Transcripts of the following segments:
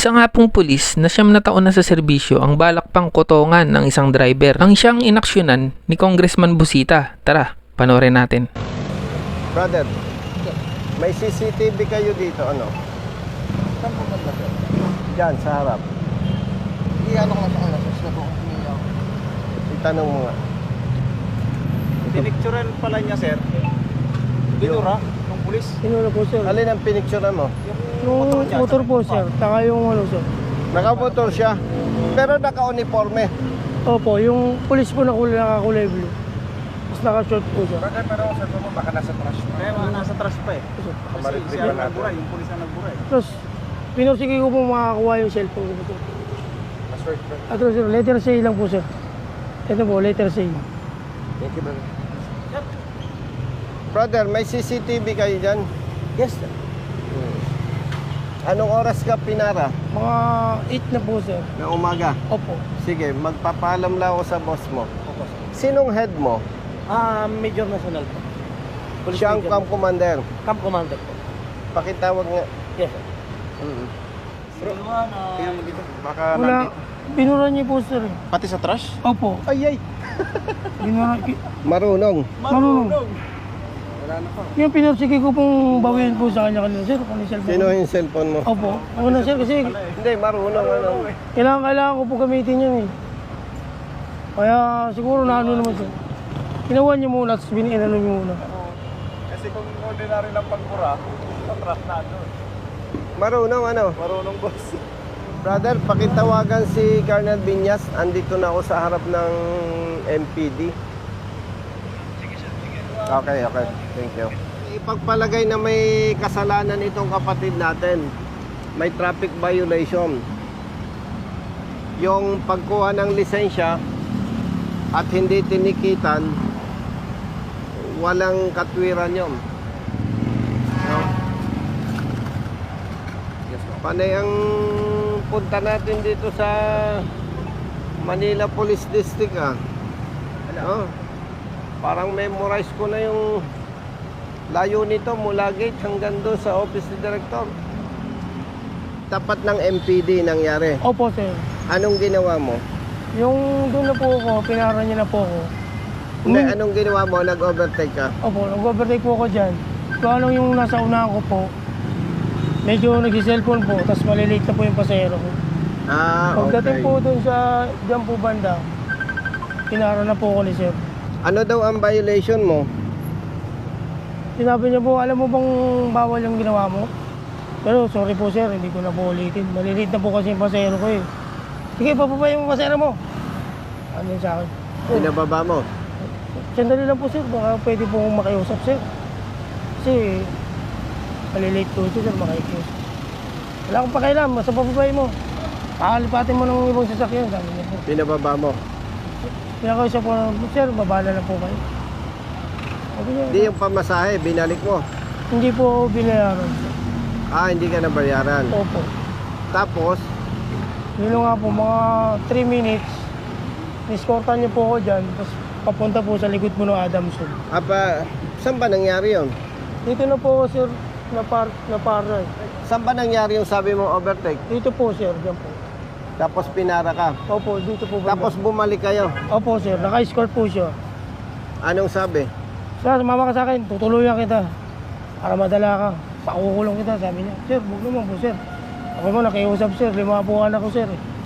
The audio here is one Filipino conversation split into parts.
Isa nga pong pulis na 9 na taon na sa serbisyo ang balak pang kotongan ng isang driver ang siyang inaksyonan ni Congressman Busita. Tara, panoorin natin. Brother, may CCTV kayo dito, ano? Saan po ba sir? Diyan, sa harap. Ano ko lang sa kanila, sir. Sila po. Itanong mo nga. Pinicturean pala niya, sir. Binura ng pulis. Sinula po sir. Alin ang pinicturean mo? Yung motor po sir, saka yung ano sir. Nakamotor siya, pero naka-uniforme. Opo, yung pulis po nakakulay blue. Tapos naka-short po siya. Pero sa mo, baka nasa trash pa. Kaya nasa trash pa eh. Kasi Maritripan siya natin. nagbura, yung pulis na nagbura eh. Tapos, pinursige ko po makakuha yung cellphone ko po. At sir, letter C lang po sir. Ito po, letter C. Thank you, brother. Brother, may CCTV kayo dyan? Yes sir. Anong oras ka pinara? Mga 8 na po sir. Na umaga? Opo. Sige, magpapaalam lang ako sa boss mo. Sinong head mo? Major National po. Siya ang camp commander. Camp Commander po. Pakitawag nga. Yes sir. Tingnan mo dito. Baka Wala, nandito. binura niyo po sir. Pati sa trash? Opo. Ay, ay! Binura, Marunong. marunong. Wala na pa. Yung pinursige ko pong bawiin po sa kanya kanina sir, kung yung cellphone. Sino yung cellphone mo? Opo. Ako na sir kasi Hindi, marunong. Ano? kailangan ko po gamitin yan eh. Kaya siguro na ano naman sir. Ginawa niyo muna, tapos inano niyo muna. Kasi kung ordinary lang pagbura, sa trash na ano. Marunong ano? Marunong boss. Brother, pakitawagan si Colonel Binyas. Andito na ako sa harap ng MPD. Okay, okay. Thank you. Ipagpalagay na may kasalanan itong kapatid natin. May traffic violation. Yung pagkuha ng lisensya at hindi tinikitan, walang katwiran yun. No? Panay ang punta natin dito sa Manila Police District Oh, parang memorize ko na yung layo nito mula gate hanggang doon sa office ni Director. Tapat ng MPD nangyari. Opo sir. Anong ginawa mo? Yung doon na po ako, pinara niya na po ako. Hindi, anong ginawa mo? Nag-overtake ka? Opo, nag-overtake po ako dyan. Kung anong yung nasa unahan ko po, medyo nag-cellphone po, tapos malilate na po yung pasahero ko. Ah, Pagdating okay. po doon sa dyan po banda, pinara na po ako ni sir. Ano daw ang violation mo? Sinabi niya po, alam mo bang bawal yung ginawa mo? Pero sorry po sir, hindi ko na po ulitin. Malilate na po kasi yung pasahero ko eh. Sige, papapay yung pasahero mo. Ano yun sa akin? Pinababa mo? Sandali lang po sir, baka pwede po akong makiusap sir. Kasi malilate po ito sir, makikiusap. Wala akong pakialam, basta papapay mo. Kakalipatin mo ng ibang sasakyan, sabi niya po. Pinababa mo? Pinakausap po, sir, babala na po kayo. Sabi niya, Hindi yung pamasahe, binalik mo. hindi po ako binayaran. Ah, hindi ka nabayaran. Opo. Tapos, Yun nga po, mga 3 minutes, niskortan niyo po ako dyan, tapos papunta po sa likod po ng Adamson. saan ba nangyari yun? Dito na po ako sir, na para. Saan ba nangyari yung sabi mo overtake? Dito po sir, dyan po. Tapos pinara ka. Opo, dito po. banda. Tapos bumalik kayo. Opo sir, naka-escort po siya. Anong sabi? Sir, sumama ka sa akin, tutuluyan kita. Para madala ka. Pakukulong kita, sabi niya. Sir, huwag naman po sir. Ako mo, nakiusap sir, 5 po anak ko sir.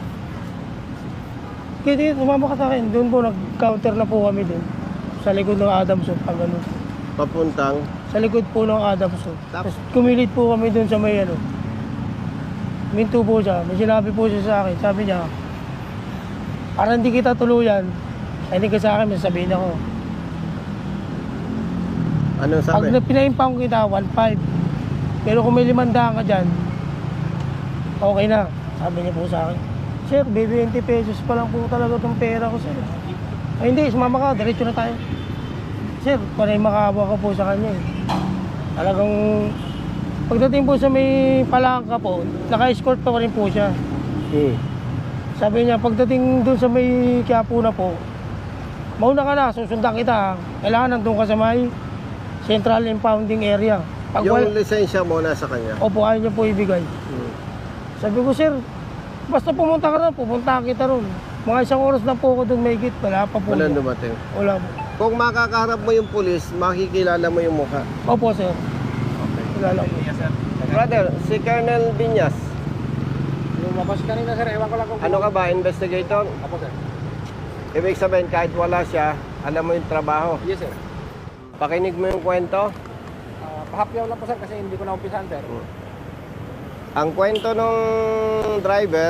Kaya sumama ka sa akin. Doon po, nag-counter na po kami doon. Sa likod ng Adamson, pag ganun. Papuntang. Sa likod po ng Adamson. Tapos? Tapos kumilit po kami doon sa may ano. Minto po siya. May sinabi po siya sa akin. Sabi niya, para hindi kita tuluyan, ay hindi ka sa akin, may sabihin ako. Anong sabi? Pag pinaimpang kita, 1.5. Pero kung may 500 ka dyan, okay na. Sabi niya po sa akin, sir, 20 pesos pa lang po talaga itong pera ko, sir. Ay hindi, sumama ka, diretso na tayo. Sir, panay makahawa ka po sa kanya eh. Talagang, pagdating po sa may palangka po, naka-escort pa rin po siya. Sabi niya, pagdating doon sa may Quiapo na po, mauna ka na, susundan kita. Kailangan nandun ka sa may Central Impounding Area. Pag Yung lisensya mo nasa kanya. Opo, ayaw niya po ibigay. Sabi ko, sir, basta pumunta ka ron, pupunta kita ron. Mga isang oras na po ako doon may git, wala pa po. Walang dumating. Wala po. Kung makakaharap mo yung pulis, makikilala mo yung mukha. Opo, sir. Wala lang po. Brother, si Colonel Binyas, Lumabas kanina sir, ewan ko lang kung... ano ka ba, investigator? Apo sir. Ibig sabihin, kahit wala siya, alam mo yung trabaho. Yes sir. Pakinig mo yung kwento. Pahapyaw lang po sir kasi hindi ko na umpisahan sir. Ang kwento ng driver,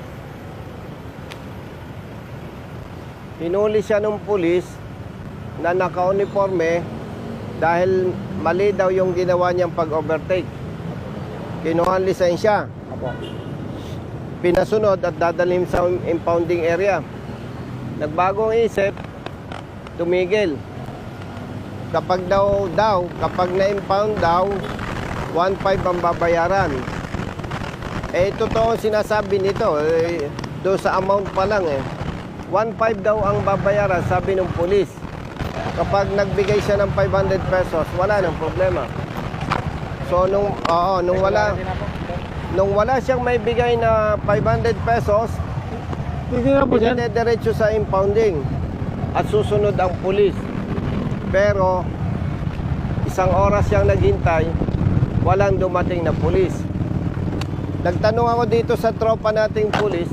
hinuli siya ng pulis na naka-uniforme dahil mali daw yung ginawa niyang pag-overtake. Kinuha ang lisensya, Apo. pinasunod at dadalim sa impounding area. Nagbagong isip, tumigil. Kapag na-impound daw, 1.5 ang babayaran. Eh, totoo sinasabi nito, doon sa amount pa lang 1.5 daw ang babayaran, sabi ng pulis. Kapag nagbigay siya ng 500 pesos, wala nang problema. So, nung wala siyang may bigay na 500 pesos, Hindi na po, sir. diretso sa impounding at susunod ang pulis. Pero isang oras siyang naghintay, walang dumating na pulis. Nagtanong ako dito sa tropa nating pulis,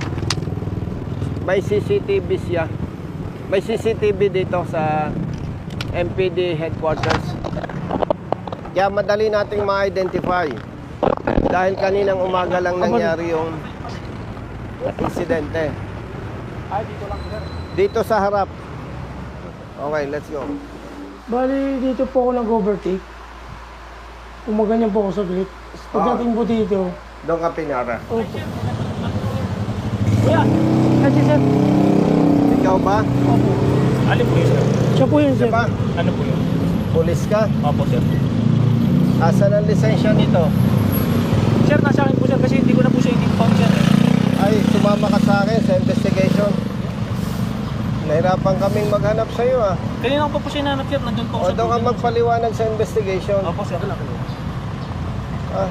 may CCTV siya. May CCTV dito sa MPD headquarters. Kaya madali nating ma-identify. Dahil kaninang umaga lang nangyari yung insidente. Ay, dito lang po sir. Dito sa harap. Okay, let's go. Bali, dito po ako nag-overtake. Umaganyan po ako sa gate. Pagdating po dito, Doon ka pinara. opo. Kuya, kasi sir. Ikaw ba? Opo. Alin po yun, sir? Siya po yun, sir. Ba? Ano po yun? Pulis ka? Opo, sir. Asan ang lisensya nito? Sir, nasa akin po, sir, kasi hindi ko na po siya in-impound, sir. Ay, sumama ka sa akin sa investigation. Nahirapan kaming maghanap sa iyo Kanina ko pa po siya nanap, sir. Nandun po ako O sa doon ka building. magpaliwanag sa investigation. Opo, sir. Ah.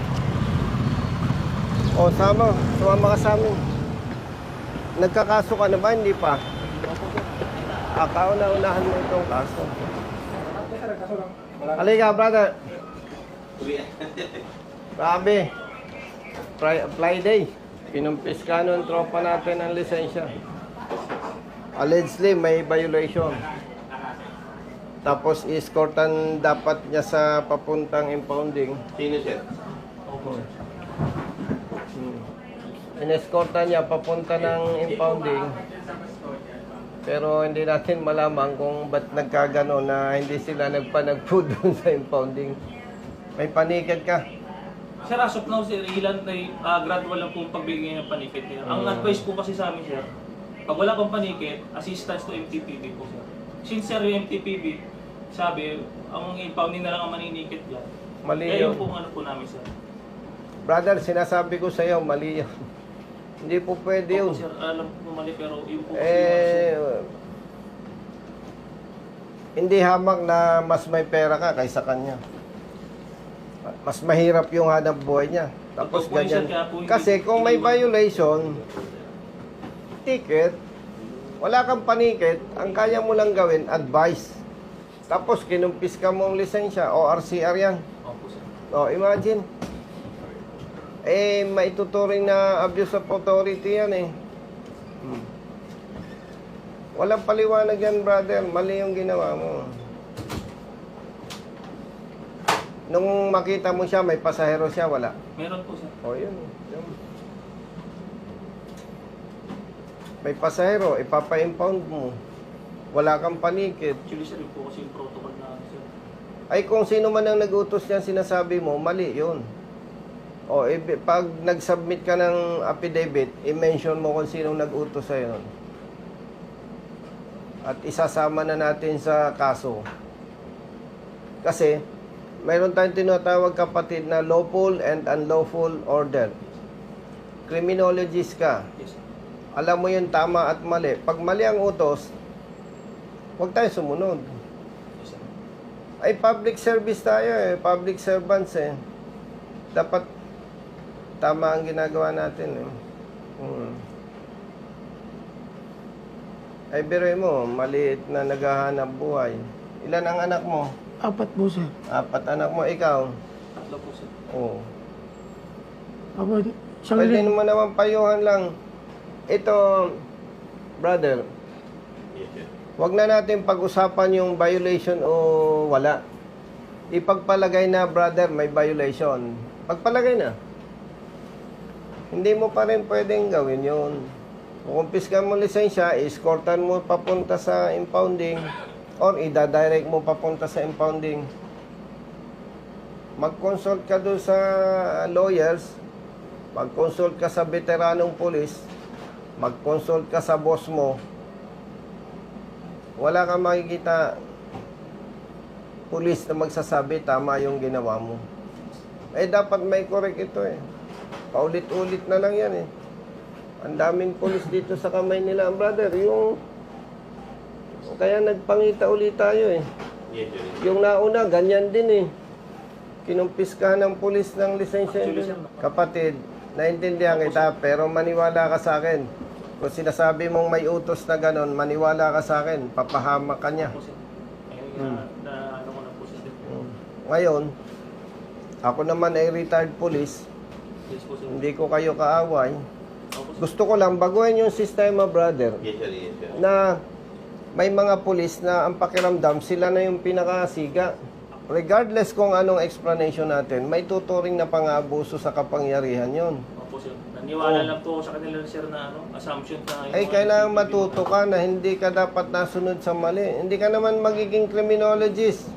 O, sumama ka sa amin. Nagkakaso ka na ba? Hindi pa. Kauna-unahan mo itong kaso. Halika, brother. Grabe. Friday. Pinumpis ka nun, tropa natin ang lisensya. Allegedly, may violation. Tapos, escortan dapat niya sa papuntang impounding. Sino siya? Inescortan niya papunta ng impounding. Pero hindi natin malaman kung ba't nagkagano na hindi sila nagpanagpo doon sa impounding. May panikad ka. Sir, as of now, sir, ilan na gradual lang po ang pagbigay ng panikit niya. Ang advice po kasi sa amin, sir, pag wala pang panikit, assistance to MTPB po, sir. Since, sir, yung MTPB, sabi, ang impounding na lang ang maninikit dyan. Mali Eh, yun. yung po ano po namin, sir. Brother, sinasabi ko sa iyo, mali yun. Hindi po pwede yun. Opo, sir, alam po mali, pero yung po Hindi hamak na mas may pera ka kaysa kanya. Mas mahirap yung hanap buhay niya. Tapos Totoo po yun, ganyan. sir, kaya po hindi- Kasi kung may violation, ticket, wala kang panikit, ang kaya mo lang gawin, advice. Tapos kinumpis ka mo ang lisensya, ORCR yan. Opo, sir. O, imagine. Maituturing na abuse of authority yan Walang paliwanag yan, brother. Mali yung ginawa mo. Nung makita mo siya, may pasahero siya, wala. Meron po, sir. O, yun. May pasahero, ipapa-impound mo. Wala kang panikit. Actually, sir, yun po kasi yung protocol na, sir. Ay, kung sino man ang nag-utos niyan, sinasabi mo, mali yun. O, pag nag-submit ka ng affidavit, i-mention mo kung sinong nag-utos sa'yo nun. At isasama na natin sa kaso. Kasi, mayroon tayong tinatawag kapatid na lawful and unlawful order. Criminologist ka. Yes, sir. Alam mo yung tama at mali. Pag mali ang utos, huwag tayo sumunod. Yes, sir. Ay, public service tayo public servants Dapat tama ang ginagawa natin eh. Ay, biruin mo, maliit na naghahanap buhay. Ilan ang anak mo? 4 po, sir. 4 anak mo, ikaw? Tatlo po, sir. Oo. Ako, isang Pwede mo naman payuhan lang. Ito, brother, wag na natin pag-usapan yung violation o wala. Ipagpalagay na, brother, may violation. Pagpalagay na. Hindi mo pa rin pwedeng gawin yun. Kukumpiskan mo lisensya, escortan mo papunta sa impounding or ida-direct mo papunta sa impounding. Mag-consult ka doon sa lawyers, mag-consult ka sa veteranong pulis, mag-consult ka sa boss mo. Wala kang makikita pulis na magsasabi tama yung ginawa mo. Eh, dapat may correct ito eh. Paulit-ulit na lang yan eh. Ang daming pulis dito sa kamay nila, brother. Kaya nagpangita ulit tayo eh. Yung nauna, ganyan din eh. Kinumpiskahan ng pulis ng lisensya. Kapatid, naintindihan kita, pero maniwala ka sa akin. Kung sinasabi mong may utos na ganon, maniwala ka sa akin, papahamak ka niya. Po, sir. Ano ko na po, sir. Ngayon, ako naman ay retired police, Yes po, sir. hindi ko kayo kaaway. Opo, sir. Gusto ko lang baguhin yung sistema, brother, na may mga pulis na ang pakiramdam, sila na yung pinakasiga. Regardless kung anong explanation natin, may tuturing na pang-abuso sa kapangyarihan yon. Opo, sir. Naniwala lang po ako sa kanila, sir, na assumption na... Ay, kailangan matuto ka na hindi ka dapat nasunod sa mali. Hindi ka naman magiging criminologist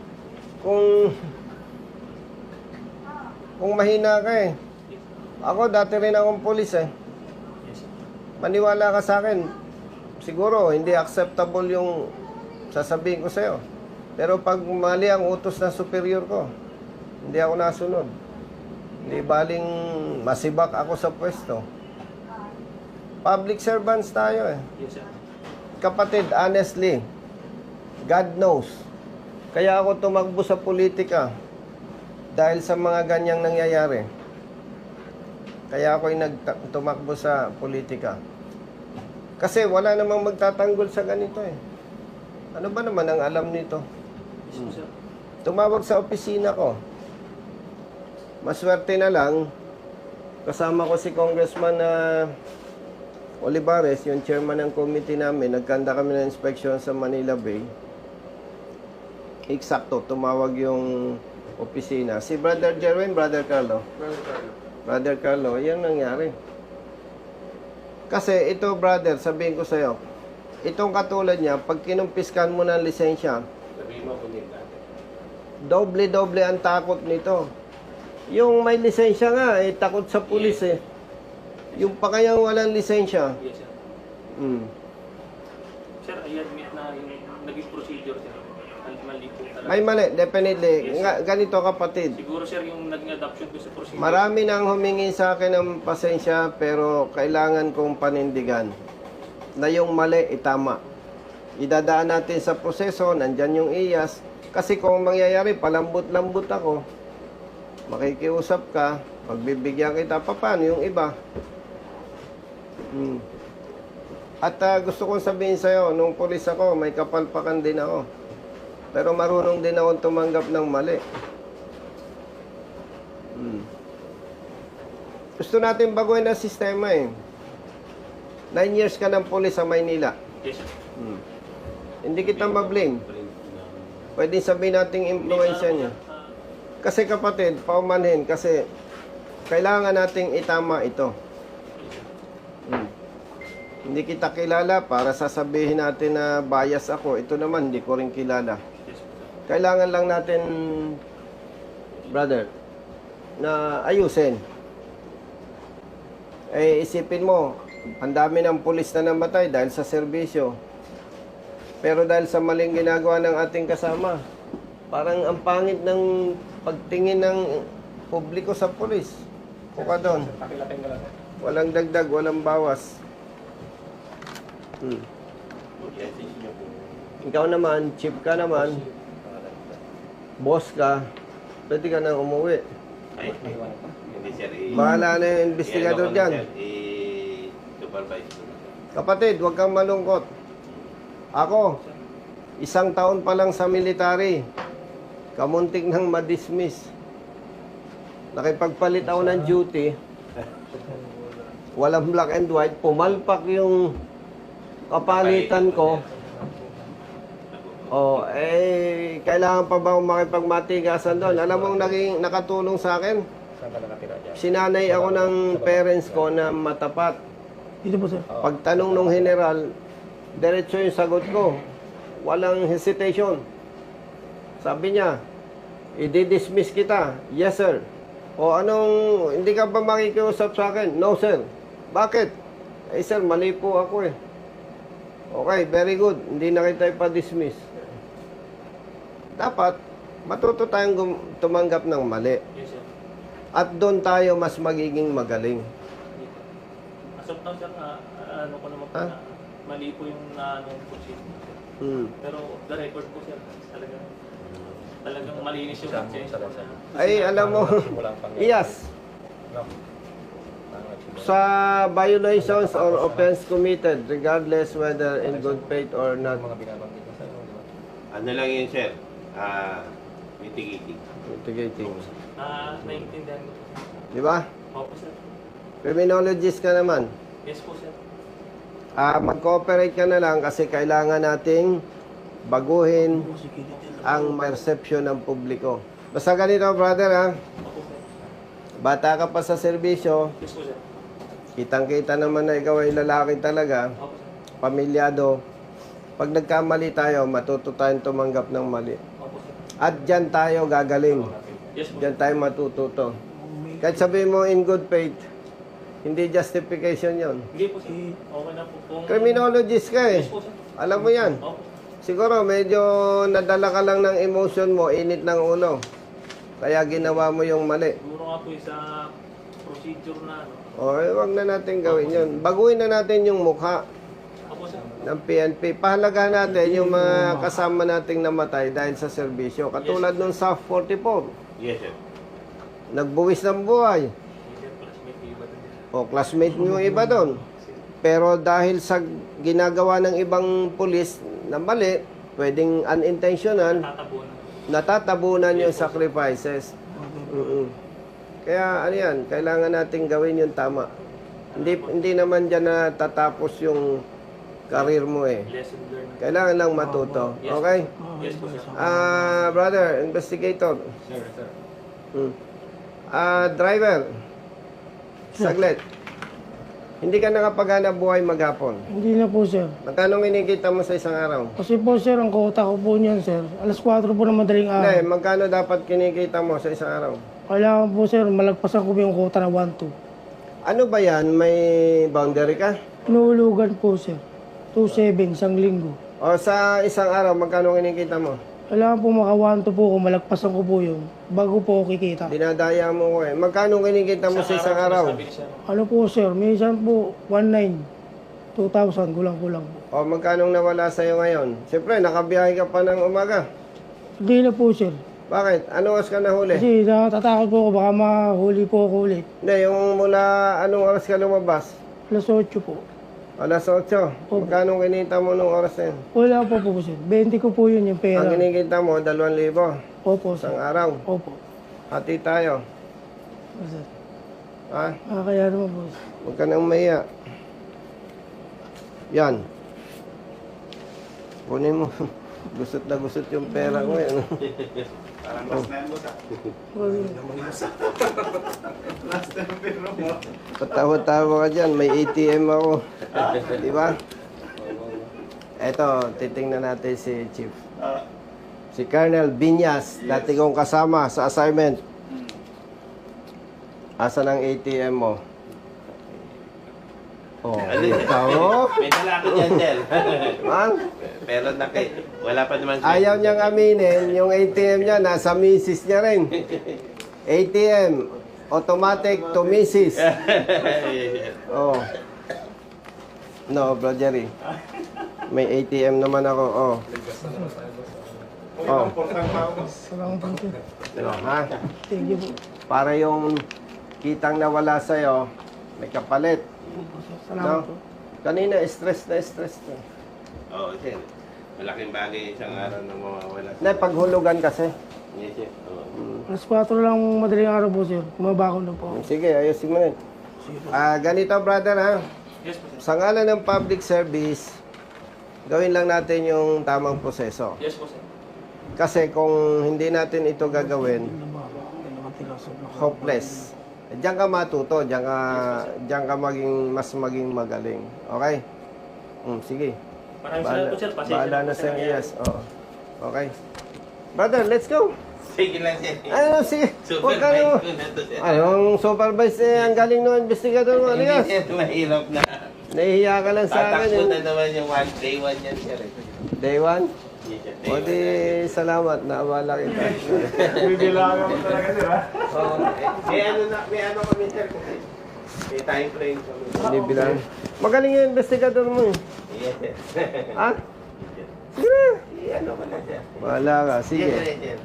kung mahina ka eh. Ako, dati rin akong pulis eh. Yes, sir. Maniwala ka sa akin. Siguro, hindi acceptable yung sasabihin ko sa'yo. Pero pag mali ang utos ng superior ko, hindi ako nasunod. Hindi baling masibak ako sa pwesto. Public servants tayo eh. Yes, sir. Kapatid, honestly, God knows. Kaya ako tumakbo sa politika dahil sa mga ganyang nangyayari. Kaya ako'y tumakbo sa politika. Kasi wala namang magtatanggol sa ganito eh. Ano ba naman ang alam nito? Yes po, sir. Tumawag sa opisina ko. Maswerte na lang, kasama ko si Congressman Olivares, yung chairman ng committee namin. Nagkanda kami ng inspection sa Manila Bay. Eksakto, tumawag yung opisina. Si Brother Jerwin, Brother Carlo. Brother Carlo, yan nangyari. Kasi ito, brother, sabihin ko sa'yo, itong katulad niya, pag kinumpiskan mo ng lisensya, doble-doble ang takot nito. Yung may lisensya nga, takot sa pulis eh. Yung pa kayang walang lisensya. Yes, sir. Sir, I admit na yung naging procedure, sir. Mali po talaga. May mali, definitely. Yes, Nga, ganito kapatid. Siguro, sir, yung naging adoption ko sa procedure. Marami nang humingi sa akin ng pasensya, pero kailangan kong panindigan na yung mali itama. Idadaan natin sa proseso, nandyan yung IAS. Kasi kung mangyayari, palambot-lambot ako, makikiusap ka, pagbibigyan kita, paano yung iba? At gusto kong sabihin sa'yo, nung pulis ako, may kapalpakan din ako. Pero marunong din akong tumanggap ng mali. Gusto natin baguhin ang sistema eh. 9 years ka ng pulis sa Maynila. Yes, sir. Hindi kita ma-blame. Pwede sabihin nating influensya niya. Kasi kapatid, paumanhin, kasi kailangan nating itama ito. Hindi kita kilala para sasabihin natin na bias ako. Ito naman, hindi ko rin kilala. Yes, sir. Kailangan lang natin, brother, na ayusin. Eh, isipin mo, ang dami ng pulis na namatay dahil sa serbisyo. Pero dahil sa maling ginagawa ng ating kasama, parang ang pangit ng pagtingin ng publiko sa pulis. Kuka doon. Walang dagdag, walang bawas. Ikaw naman, chief ka naman, boss ka, pwede ka nang umuwi. sir. Bahala na yung investigador dyan. I-supervise ko. Kapatid, huwag kang malungkot. Ako, 1 taon pa lang sa military. Kamuntik nang ma-dismiss. Nakipagpalit ako ng duty. Walang black and white. Pumalpak yung kapalitan ko. Oh, kailangan pa ba akong makipagmatigasan doon? Alam mong naging nakatulong sa akin? Sinanay ako ng parents ko na matapat. Dito po, sir. Pagtanong ng general, diretso yung sagot ko. Walang hesitation. Sabi niya, i-dismiss kita. Yes, sir. O anong, hindi ka ba makikiusap sa akin? No, sir. Bakit? Eh, sir, mali po ako eh. Okay, very good. Hindi na kita ipa-dismiss. Dapat, matuto tayong tumanggap ng mali. Yes, sir. At doon tayo mas magiging magaling. As of now, sir, ano ko naman po Ha? na mali po yung position. Pero the record po, sir, talagang malinis yung conscience po. Ay, alam mo, yes. Sa violations or offense committed, regardless whether in good faith or not. Ano lang yun, sir? Mitigating. Mitigating. Naiintindihan ko. Di ba? Opo, sir. Criminologist ka naman. Yes po, sir. Mag-cooperate ka na lang kasi kailangan nating baguhin ang perception ng publiko. Basta ganito, brother, ha? Opo, sir. Bata ka pa sa serbisyo, Yes po, sir. kitang-kita naman na ikaw ay lalaki talaga, Opo, sir. pamilyado. Pag nagkamali tayo, matuto tayong tumanggap ng mali. Opo, sir. At dyan tayo gagaling. Yes po. Dyan tayo matututo. Kahit sabihin mo in good faith, hindi justification yon. Hindi po, sir. Okay na po. Kung... Criminologist ka eh. Yes po, sir. Alam mo yan. Opo. Siguro medyo nadala ka lang ng emotion mo, init ng ulo. Kaya ginawa mo yung mali. Siguro nga po sa procedure na ano. O, wag na natin gawin yun. Baguhin na natin yung mukha Opo, sir. ng PNP. Pahalagahan natin yung mga kasama nating namatay dahil sa serbisyo. Katulad nung SAF 44. Yes, sir. Nagbuwis ng buhay. Sir, classmate yung iba din. O, classmate mo yung iba doon. Pero dahil sa ginagawa ng ibang pulis na mali, pwedeng unintentional, Tatabunan. natatabunan yung sacrifices. Kaya ano yan, kailangan natin gawin yung tama. Hindi naman dyan na tatapos yung career mo eh. Lesson learned. Kailangan lang matuto. Okay? Yes po, sir. Brother, investigator. Sir, sir. Driver. Saglit. Hindi ka nakapaghanap buhay maghapon. Hindi na po, sir. Magkano kinikita mo sa isang araw? Kasi po, sir, ang kota ko po niyan, sir. Alas 4 po ng madaling Hindi, araw. magkano dapat kinikita mo sa isang araw? Kailangan po, sir, malagpasan ko po yung kota na 1-2. Ano ba yan? May boundary ka? Inuulugan po, sir. 2-7, isang linggo. O sa isang araw, magkano kinikita mo? Kailangan po maka 1-2 po ko, malagpasan ko po yun. Bago po ako kikita. Dinadaya mo ko eh. Magkano kinikita mo sa isang araw? Sabi ni sir. Ano po, sir? Minsan po, 1-9. 2,000, kulang-kulang po. O magkano nawala sa'yo ngayon? Siyempre, nakabiyahe ka pa ng umaga. Hindi na po, sir. Bakit? Ano oras ka nahuli? Kasi natatakot po ako, baka mahuli po ako ulit. Hindi, yung mula anong oras ka lumabas? Alas 8 po. Alas 8. Magkano kinita mo nung oras na yun? Wala po po, sir. 20 ko po yun yung pera. Ang kinikita mo, 2,000. Opo, sir. Isang araw. Opo. Hati tayo. Sir. Ha? Kaya naman po, sir. Huwag ka nang mahiya. Yan. Kunin mo. Gusot na gusot yung pera ko yan. Parang last na yan, boss, ah. Last na yung pera mo. Patawa-tawa ka dyan. May ATM ako. Di ba? Eto, titingnan natin si Chief. Si Colonel Binyas, dati kong kasama sa assignment. Asan ang ATM mo? Oh, ikaw. May dala ako dyan, sir. Man, Pero wala pa naman, sir. ayaw niyang aminin, yung ATM niya, nasa misis niya rin. ATM, automatic to misis. Oh. No, Bro Jerry. May ATM naman ako, oh. Oh. Salamat po, sir. Ha? Thank you po. Para yung kitang nawala sa'yo, may kapalit. Salamat po. No? Kanina, stress na. Oo, sir. Malaking bagay isang araw na mawawala. Na, paghulugan kasi. Yes, sir. Oo. Alas 4 lang madaling araw po, sir. Kumabako na po. Sige, ayusin mo rin. Ganito, brother, ha? Yes po, sir. Sa ngalan ng public service, gawin lang natin yung tamang proseso. Yes po, sir. Kasi kung hindi natin ito gagawin, hopeless. Diyan ka matuto, diyan ka maging magaling. Okay? Sige. Maraming salamat po, sir. Pasensya Bahala po na sa sa nangyari. yes. Oo. Okay. Brother, let's go. Sige lang, sir. Sige. Huwag ka Supervise na. ko na to, sir. Anong supervise ang galing ng investigador mo? Hindi, Aligas. sir. Mahirap na. Nahihiya ka lang sa akin. Tatakbo eh. na naman yung day one yan, sir. Day one? Yes, sir. O di, salamat. Naabala kita. Bibilangan mo talaga, sir, ha? Oo. May ano kami, sir. May time frame kami. Hindi bilang. Magaling yung investigador mo. eh. Yes, sir. Ha? Sige na. Ano ko na, sir. Wala ka. Yes, Sige. sir.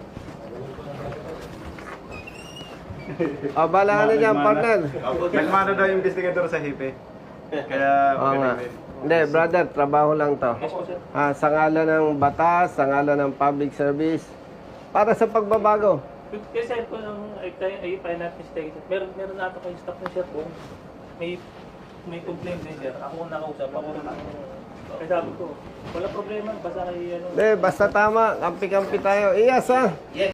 Bala ka na dyan, partner. Nagmano daw yung investigador sa hipe. Kaya, Oo nga. magaling din. Hindi, brother, trabaho lang to. Yes po, sir. Sa ngalan ng batas, sa ngalan ng public service, para sa pagbabago. Kasi po, ay not mistaken, sir. Meron na ito kayo staff na, sir, po. May complaint din, sir. Ako ang nakausap. Ako rin ang... Kaya sabi ko, wala problema. Basta kayo, Hindi, basta tama. Kampi-kampi tayo. Iyas, ha?